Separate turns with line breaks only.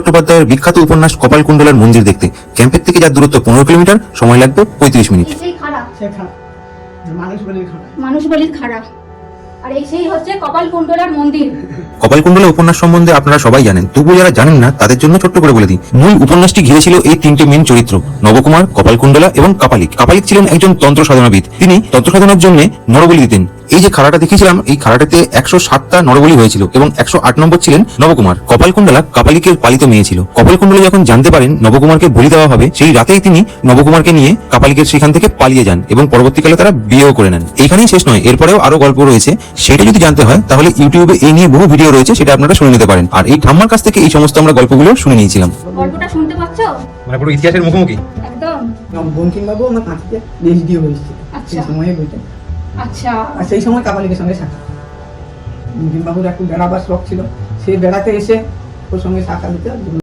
চট্টোপাধ্যায়ের বিখ্যাত উপন্যাস কপালকুণ্ডলার মন্দির দেখতে ক্যাম্পের থেকে যার দূরত্ব 15 কিলোমিটার, সময় লাগবে 35 মিনিট।
সেই খারাপ
সে খারাপ,
মানুষ বলির খারাপ, আর এই সেই হচ্ছে কপালকুণ্ডলার মন্দির।
কপালকুণ্ডলা উপন্যাস সম্বন্ধে আপনারা সবাই জানেন, তবুও যারা জানেন না তাদের জন্য ছোট্ট করে বলে দিই। মূল উপন্যাসটি ঘিরেছিল এই তিনটে মেন চরিত্র, নবকুমার, কপালকুণ্ডলা এবং কাপালিক। কাপালিক ছিলেন একজন তন্ত্র সাধনাবিদ। তিনি তন্ত্র সাধনার জন্য নরবলি দিতেন। এই যে খাড়াটা দেখিয়েছিলাম, এই খাড়াটাতে 107টা নরবলি হয়েছিল এবং 108 নম্বর ছিলেন নবকুমার। কপালকুণ্ডলা কাপালিকের পালিত মেয়ে ছিল। কপালকুণ্ডলা যখন জানতে পারেন নবকুমারকে বলি দেওয়া হবে, সেই রাতেই তিনি নবকুমারকে নিয়ে কাপালিকের সেখান থেকে পালিয়ে যান এবং পরবর্তীকালে তারা বিয়েও করে নেন। এইখানেই শেষ নয়, এরপরেও আরো গল্প রয়েছে। সেটা যদি জানতে হয় তাহলে ইউটিউবে এই নিয়ে বহু ভিডিও রয়েছে, সেটা আপনারা শুনে নিতে পারেন। আর এই ঠাম্মার কাছ থেকে এই সমস্ত আমরা গল্পগুলো শুনে নিয়েছিলাম।
গল্পটা শুনতে পাচ্ছো?
মানে পুরো ইতিহাসের মুখোমুখি
একদম।
বঙ্কিমবাবু আমার কাঁথিতে পিএইচডিও হয়েছিল
আচ্ছা।
সেই সময়ে বইটা।
আচ্ছা,
আর সেই সময় কাপালিকের সঙ্গে সাক্ষাৎ। বঙ্কিমবাবুর একটু বেড়াবার শখ ছিল, সেই বেড়াতে এসে ওর সঙ্গে সাক্ষাৎ দিতে